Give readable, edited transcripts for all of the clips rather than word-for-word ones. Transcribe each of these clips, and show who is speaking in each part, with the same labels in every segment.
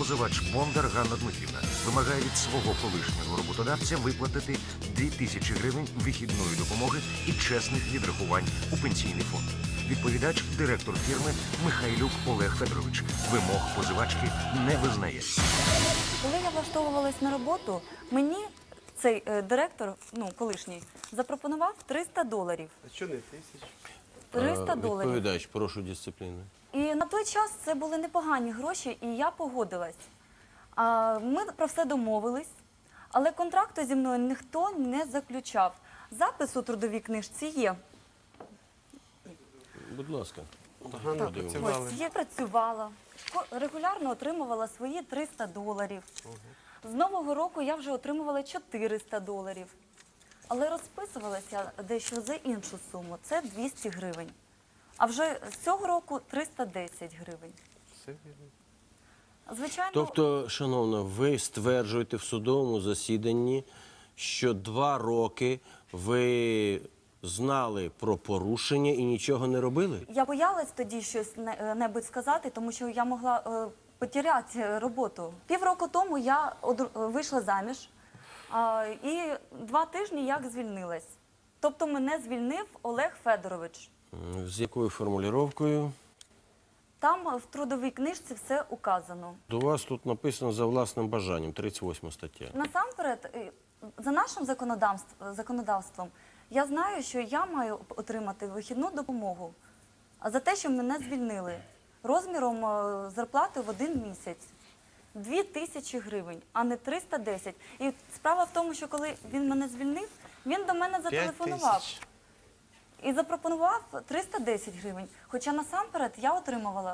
Speaker 1: Позивач Бондар Ганна Дмитрівна вимагає від свого колишнього роботодавця виплатити 2000 гривень вихідної допомоги і чесних відрахувань у пенсійний фонд. Відповідач, директор фірми Михайлюк Олег Федорович, вимог позивачки не визнає.
Speaker 2: Коли я влаштовувалась на роботу, мені цей директор, колишній, запропонував $300.
Speaker 3: А що не 1000?
Speaker 2: $300.
Speaker 4: Відповідач, прошу дисципліни.
Speaker 2: І на той час це були непогані гроші, і я погодилась. Ми про все домовились, але контракту зі мною ніхто не заключав. Запис у трудовій книжці є.
Speaker 4: Будь ласка.
Speaker 3: Гарно працювали.
Speaker 2: Ось, я працювала, регулярно отримувала свої $300. З Нового року я вже отримувала $400. Але розписувалася дещо за іншу суму, це 200 гривень. А вже з цього року 310 гривень.
Speaker 3: Все вірно.
Speaker 2: Звичайно,
Speaker 4: Тобто, шановна, ви стверджуєте в судовому засіданні, що 2 роки ви знали про порушення і нічого не робили?
Speaker 2: я боялась тоді щось небудь сказати, тому що я могла потеряти роботу. Півроку тому я вийшла заміж, і 2 тижні як звільнилась. Тобто мене звільнив Олег Федорович.
Speaker 4: З якою формулюванням?
Speaker 2: Там в трудовій книжці все указано.
Speaker 4: До вас тут написано за власним бажанням, 38 стаття.
Speaker 2: Насамперед, за нашим законодавством, я знаю, що я маю отримати вихідну допомогу за те, що мене звільнили розміром зарплати в 1 місяць. 2000 гривень, а не 310. І справа в тому, що коли він мене звільнив, він до мене зателефонував
Speaker 3: 5000.
Speaker 2: і запропонував 310 гривень. Хоча насамперед я отримувала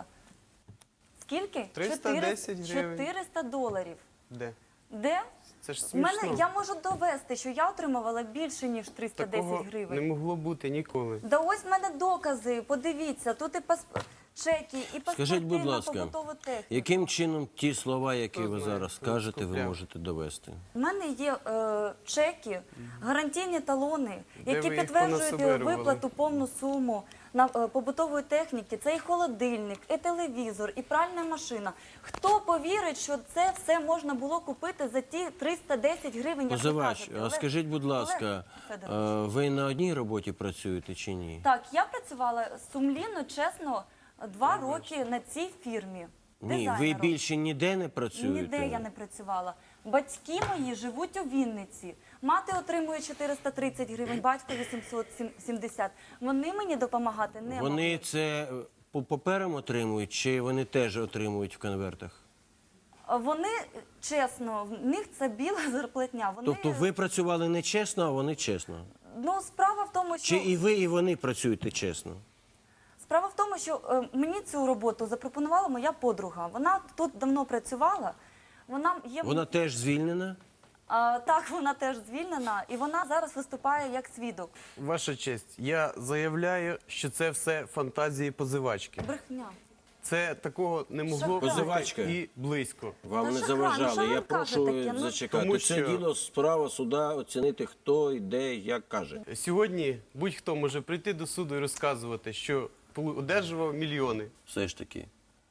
Speaker 2: скільки?
Speaker 3: 310 гривень.
Speaker 2: $400.
Speaker 3: Де?
Speaker 2: Де?
Speaker 3: Це ж смішно.
Speaker 2: Я можу довести, що я отримувала більше, ніж 310
Speaker 3: Такого
Speaker 2: гривень.
Speaker 3: не могло бути ніколи.
Speaker 2: Да ось в мене докази, подивіться, тут і чеки, і
Speaker 4: Скажіть, будь
Speaker 2: паспорти на
Speaker 4: ласка,
Speaker 2: побутову техніку.
Speaker 4: яким чином ті слова, які ви
Speaker 3: знає,
Speaker 4: зараз
Speaker 3: хто
Speaker 4: кажете, ви
Speaker 3: скупляв?
Speaker 4: можете довести?
Speaker 2: У мене є чеки, гарантійні талони,
Speaker 3: Де
Speaker 2: які
Speaker 3: ви їх
Speaker 2: підтверджують
Speaker 3: понасобирували?
Speaker 2: виплату повну суму на побутової техніки. Це і холодильник, і телевізор, і пральна машина. Хто повірить, що це все можна було купити за ті 310 гривень, як ви
Speaker 4: Позивач,
Speaker 2: кажете?
Speaker 4: а скажіть, будь ласка,
Speaker 2: Федорович.
Speaker 4: ви на одній роботі працюєте чи ні?
Speaker 2: Так, я працювала сумлінно, чесно, 2 роки на цій фірмі.
Speaker 4: Ні, ви
Speaker 2: дизайнером.
Speaker 4: більше ніде не працюєте?
Speaker 2: Ніде я не працювала. Батьки мої живуть у Вінниці. Мати отримує 430 гривень, батько 870. Вони мені допомагати не
Speaker 4: Вони
Speaker 2: можуть.
Speaker 4: це по паперам отримують, чи вони теж отримують в конвертах?
Speaker 2: Вони, чесно, в них це біла зарплатня. Вони...
Speaker 4: Тобто ви працювали не чесно, а вони чесно?
Speaker 2: Ну, справа в тому, що...
Speaker 4: Чи і ви, і вони працюєте чесно?
Speaker 2: Справа в тому, що мені цю роботу запропонувала моя подруга. Вона тут давно працювала.
Speaker 4: Вона теж звільнена?
Speaker 2: Так, вона теж звільнена, і вона зараз виступає як свідок.
Speaker 3: Ваша честь, я заявляю, що це все фантазії позивачки.
Speaker 2: Брехня.
Speaker 3: Це такого не могло
Speaker 4: Позивачка.
Speaker 3: бути і близько.
Speaker 4: Вам
Speaker 2: Та
Speaker 4: не
Speaker 2: шахрай, ну що
Speaker 4: заважали.
Speaker 2: ви
Speaker 4: Я прошу
Speaker 2: кажете таке? Ну,
Speaker 4: зачекати.
Speaker 3: Тому
Speaker 4: Це
Speaker 3: що-
Speaker 4: діло справа суда оцінити, хто і де, як каже.
Speaker 3: Сьогодні будь-хто може прийти до суду і розказувати, що одержував мільйони.
Speaker 4: Все ж таки,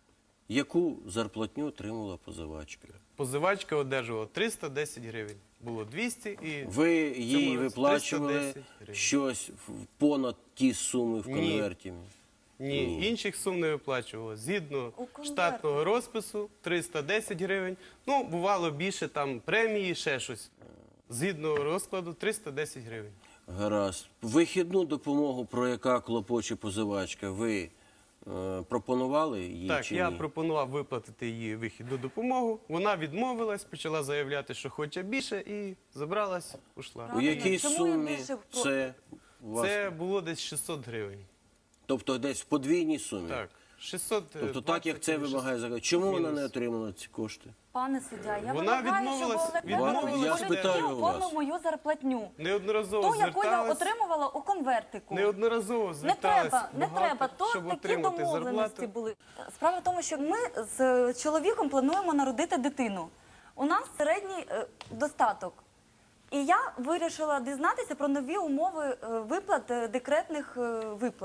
Speaker 4: яку зарплатню отримала позивачка?
Speaker 3: Позивачка одержувала 310 гривень. Було 200 і...
Speaker 4: Ви їй
Speaker 3: році
Speaker 4: виплачували
Speaker 3: 310 гривень.
Speaker 4: щось понад ті суми в
Speaker 3: Ні.
Speaker 4: конверті?
Speaker 3: Ні, інших сум не виплачувало. Згідно
Speaker 2: У конверті.
Speaker 3: штатного розпису 310 гривень. Ну, бувало більше там премії, ще щось. Згідно розкладу 310 гривень.
Speaker 4: Гаразд. Вихідну допомогу, про яка клопоче позивачка, ви пропонували їй
Speaker 3: Так,
Speaker 4: чи
Speaker 3: я
Speaker 4: ні?
Speaker 3: пропонував виплатити їй вихідну допомогу. Вона відмовилась, почала заявляти, що хоче більше, і забралась, ушла.
Speaker 4: У якій
Speaker 2: Чому
Speaker 4: сумі
Speaker 2: ви більше про-
Speaker 4: це у вас?
Speaker 3: Це було десь 600 гривень.
Speaker 4: Тобто десь в подвійній сумі?
Speaker 3: Так, 600.
Speaker 4: Тобто так, як це вимагає закон. Чому вона
Speaker 3: мінус.
Speaker 4: не отримала ці кошти?
Speaker 2: Пане суддя, я
Speaker 3: Вона
Speaker 2: вимагаю,
Speaker 3: відмовилась-
Speaker 2: щоб
Speaker 3: відмовилась
Speaker 2: Олег
Speaker 4: спитаю
Speaker 2: Федорович
Speaker 4: у вас.
Speaker 2: оформив мою зарплатню.
Speaker 3: Неодноразово
Speaker 2: Ту, яку я
Speaker 3: зверталась.
Speaker 2: отримувала у конвертику.
Speaker 3: Неодноразово
Speaker 2: Не
Speaker 3: зверталась
Speaker 2: треба, не
Speaker 3: багато,
Speaker 2: треба. То
Speaker 3: щоб
Speaker 2: такі
Speaker 3: отримати
Speaker 2: домовленості
Speaker 3: зарплату.
Speaker 2: були. Справа в тому, що ми з чоловіком плануємо народити дитину. У нас середній достаток. І я вирішила дізнатися про нові умови виплат, декретних виплат.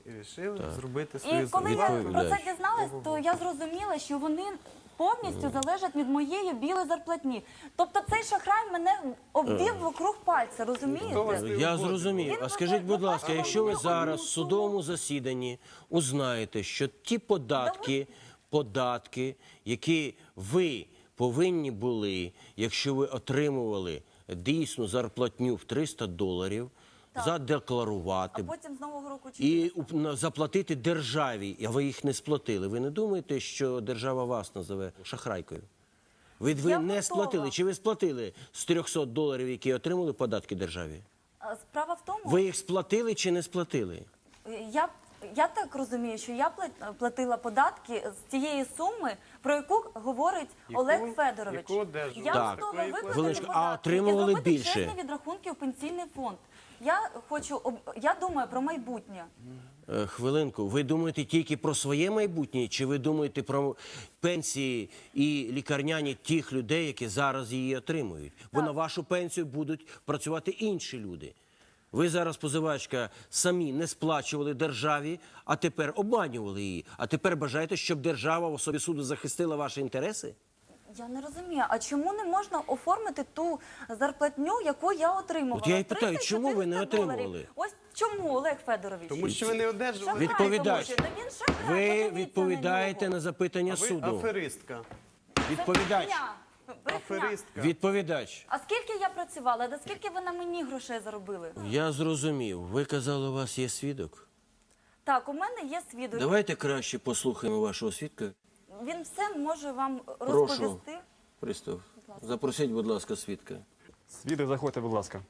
Speaker 3: і вирішили зробити
Speaker 2: І
Speaker 3: свою
Speaker 2: коли я
Speaker 3: зарплату.
Speaker 2: про це дізналась, то я зрозуміла, що вони повністю залежать від моєї білої зарплатні. Тобто цей шахрай мене обвів вокруг пальця, розумієте?
Speaker 4: Я зрозумів. А скажіть, будь ласка, якщо ви зараз в судовому
Speaker 2: суму
Speaker 4: засіданні узнаєте, що ті податки, які ви повинні були, якщо ви отримували дійсну зарплатню в $300, задекларувати
Speaker 2: А потім з Нового року
Speaker 4: і заплатити державі, а ви їх не сплатили. Ви не думаєте, що держава вас назове шахрайкою? Ви
Speaker 2: Я
Speaker 4: не
Speaker 2: готова.
Speaker 4: сплатили. Чи ви сплатили з $300, які отримали податки державі?
Speaker 2: Справа в тому,
Speaker 4: Ви їх сплатили чи не сплатили?
Speaker 2: я так розумію, що я платила податки з тієї суми, про яку говорить Олег Федорович.
Speaker 3: яку одержували?
Speaker 2: Я
Speaker 4: Так.
Speaker 2: готова виплатити
Speaker 4: Хвилиночку,
Speaker 2: податки
Speaker 4: а отримували
Speaker 2: і зробити
Speaker 4: більше?
Speaker 2: чесні відрахунки в пенсійний фонд. Я думаю про майбутнє.
Speaker 4: Хвилинку, ви думаєте тільки про своє майбутнє, чи ви думаєте про пенсії і лікарняні тих людей, які зараз її отримують? Бо на вашу пенсію будуть працювати інші люди. Ви зараз, позивачка, самі не сплачували державі, а тепер обманювали її. А тепер бажаєте, щоб держава в особі суду захистила ваші інтереси?
Speaker 2: Я не розумію, а чому не можна оформити ту зарплатню, яку я отримувала?
Speaker 4: От я і питаю,
Speaker 2: 300-400
Speaker 4: чому ви не
Speaker 2: доларів.
Speaker 4: отримували?
Speaker 2: Ось чому, Олег Федорович?
Speaker 3: Тому що ви не одержували.
Speaker 2: Шахрай,
Speaker 4: Відповідач,
Speaker 2: тому що, він шахрай,
Speaker 4: ви
Speaker 2: подивіться
Speaker 4: відповідаєте
Speaker 2: нього.
Speaker 4: на запитання
Speaker 3: Ви
Speaker 4: суду.
Speaker 3: аферистка.
Speaker 4: Відповідач.
Speaker 2: Брехня. Брехня.
Speaker 3: Аферистка.
Speaker 4: Відповідач.
Speaker 2: А скільки я працювала? Да скільки ви на мені грошей заробили?
Speaker 4: Я зрозумів. Ви казали, у вас є свідок?
Speaker 2: Так, у мене є свідок.
Speaker 4: Давайте краще послухаємо вашого свідка.
Speaker 2: Він все може вам
Speaker 4: Прошу.
Speaker 2: розповісти.
Speaker 4: Пристав, запросіть, будь ласка, свідка.
Speaker 5: Свідок, заходьте, будь ласка.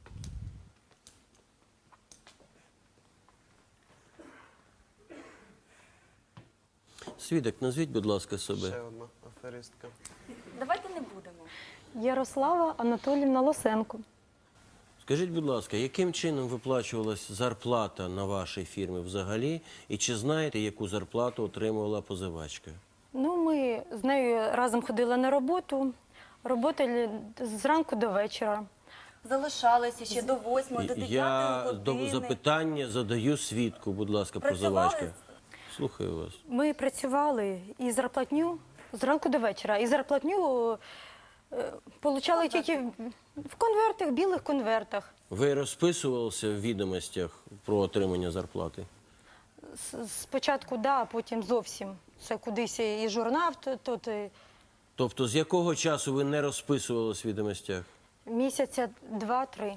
Speaker 4: Свідок, назвіть, будь ласка,
Speaker 3: Ще
Speaker 4: себе.
Speaker 3: одна аферистка.
Speaker 2: Давайте не будемо.
Speaker 6: Ярослава Анатоліївна Лосенко.
Speaker 4: Скажіть, будь ласка, яким чином виплачувалась зарплата на вашій фірмі взагалі? І чи знаєте, яку зарплату отримувала позивачка?
Speaker 6: Ну, ми з нею разом ходили на роботу, работали зранку до вечора.
Speaker 2: Залишалися ще до 8, до 9
Speaker 4: Я
Speaker 2: години.
Speaker 4: запитання задаю свідку, будь ласка,
Speaker 2: Працювали?
Speaker 4: позивачка. Слухаю вас.
Speaker 6: Ми працювали і зарплатню зранку до вечора. І зарплатню получали тільки в конвертах, білих конвертах.
Speaker 4: Ви розписувалися в відомостях про отримання зарплати?
Speaker 6: Спочатку, да, а потім зовсім. Це кудись і журнал, тут і
Speaker 4: Тобто, з якого часу ви не розписувалися в відомостях?
Speaker 6: місяця 2-3.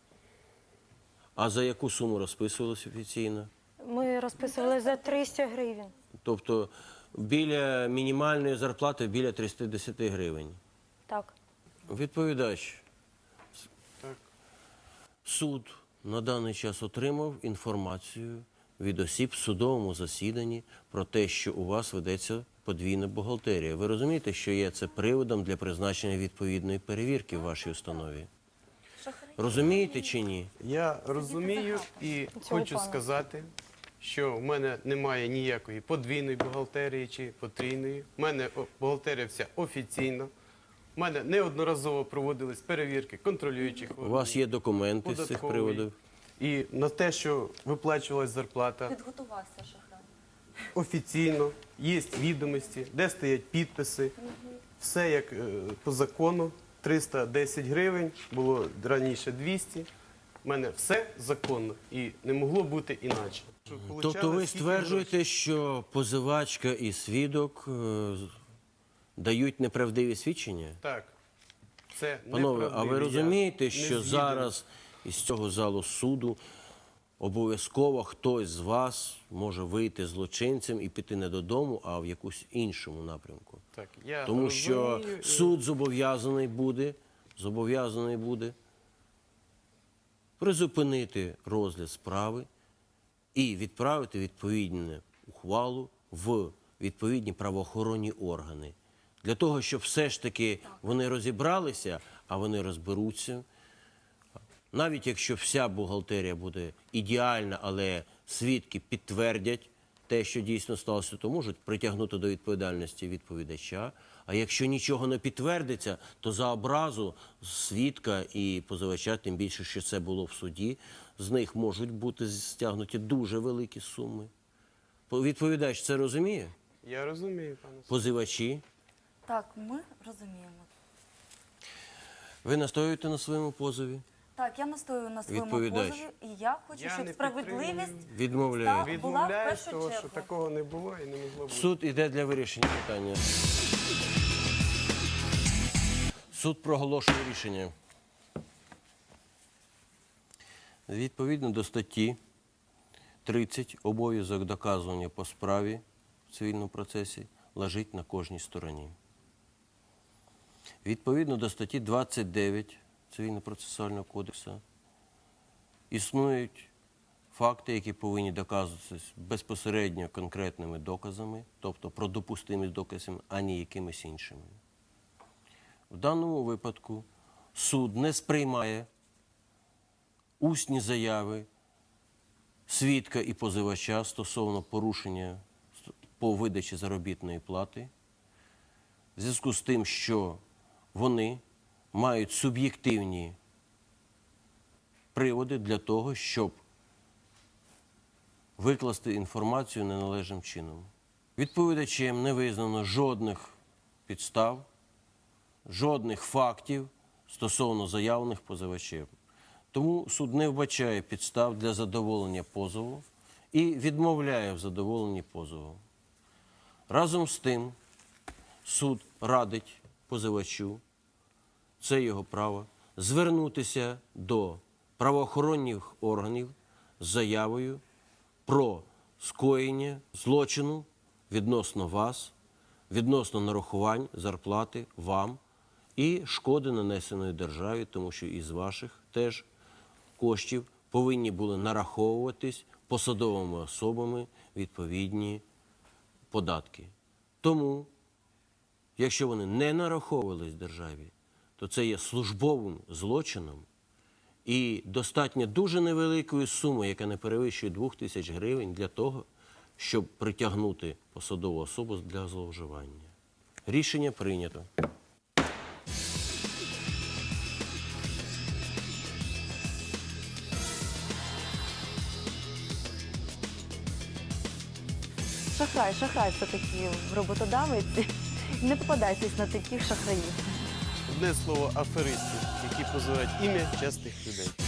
Speaker 4: А за яку суму розписувалися офіційно?
Speaker 6: Ми розписували за 300 гривень.
Speaker 4: Тобто біля мінімальної зарплати біля 310 гривень.
Speaker 6: Так.
Speaker 4: Відповідач.
Speaker 3: Так.
Speaker 4: Суд на даний час отримав інформацію від осіб в судовому засіданні про те, що у вас ведеться подвійна бухгалтерія. Ви розумієте, що є це приводом для призначення відповідної перевірки в вашій установі? Розумієте чи ні?
Speaker 3: Я розумію і хочу
Speaker 6: пана.
Speaker 3: сказати, що в мене немає ніякої подвійної бухгалтерії чи потрійної. У мене бухгалтерія вся офіційна. У мене неодноразово проводились перевірки контролюючих
Speaker 4: У вас є документи з цих
Speaker 3: податкової.
Speaker 4: приводів?
Speaker 3: І на те, що виплачувалась зарплата
Speaker 2: Підготувався шахрай.
Speaker 3: офіційно, є відомості, де стоять підписи. Все як по закону. 310 гривень, було раніше 200. У мене все законно і не могло бути іначе.
Speaker 4: Тобто ви стверджуєте, що позивачка і свідок дають неправдиві свідчення?
Speaker 3: Так. Це
Speaker 4: Панове, а ви
Speaker 3: неправдиві.
Speaker 4: розумієте,
Speaker 3: Я
Speaker 4: що
Speaker 3: не згіден.
Speaker 4: зараз із цього залу суду обов'язково хтось з вас може вийти злочинцем і піти не додому, а в якусь іншому напрямку?
Speaker 3: Так, я
Speaker 4: Тому що
Speaker 3: розумію, і-
Speaker 4: суд зобов'язаний буде призупинити розгляд справи і відправити відповідну ухвалу в відповідні правоохоронні органи. Для того, щоб все ж таки вони розібралися, а вони розберуться. Навіть якщо вся бухгалтерія буде ідеальна, але свідки підтвердять те, що дійсно сталося, то можуть притягнути до відповідальності відповідача. А якщо нічого не підтвердиться, то за образу свідка і позивача, тим більше, що це було в суді, з них можуть бути стягнуті дуже великі суми. Відповідач це розуміє?
Speaker 3: Я розумію, пане суддя.
Speaker 4: Позивачі.
Speaker 2: Так, ми розуміємо.
Speaker 4: Ви настоюєте на своєму позові?
Speaker 2: Так, я настою на своєму
Speaker 4: Відповідач.
Speaker 2: позові, і я хочу,
Speaker 3: Я
Speaker 2: щоб
Speaker 3: не
Speaker 2: справедливість
Speaker 3: підтримую.
Speaker 4: Відмовляю.
Speaker 2: Так. була в
Speaker 3: Відмовляю
Speaker 2: першу
Speaker 3: того, що
Speaker 2: чергу.
Speaker 3: такого не було і не могло бути.
Speaker 4: Суд іде для вирішення питання. Суд проголошує рішення. Відповідно до статті 30 обов'язок доказування по справі в цивільному процесі лежить на кожній стороні. Відповідно до статті 29 Цивільно-процесуального кодексу існують факти, які повинні доказуватися безпосередньо конкретними доказами, тобто про допустимість доказів, а не якимись іншими. В даному випадку суд не сприймає усні заяви свідка і позивача стосовно порушення по видачі заробітної плати, в зв'язку з тим, що вони мають суб'єктивні приводи для того, щоб викласти інформацію неналежним чином. Відповідачем не визнано жодних підстав, жодних фактів стосовно заявлених позивачем. Тому суд не вбачає підстав для задоволення позову і відмовляє в задоволенні позову. Разом з тим, суд радить позивачу, це його право, звернутися до правоохоронних органів з заявою про скоєння злочину відносно вас, відносно нарахувань зарплати вам і шкоди, нанесеної державі, тому що із ваших теж коштів повинні були нараховуватись посадовими особами відповідні податки. Тому, якщо вони не нараховувались державі, то це є службовим злочином і достатньо дуже невеликої суми, яка не перевищує 2000 гривень для того, щоб притягнути посадову особу для зловживання. Рішення прийнято.
Speaker 2: Шахрай все-таки роботодавець. Не попадайтесь на таких шахраїв.
Speaker 3: Одне слово, аферисти, які позивають ім'я чесних людей.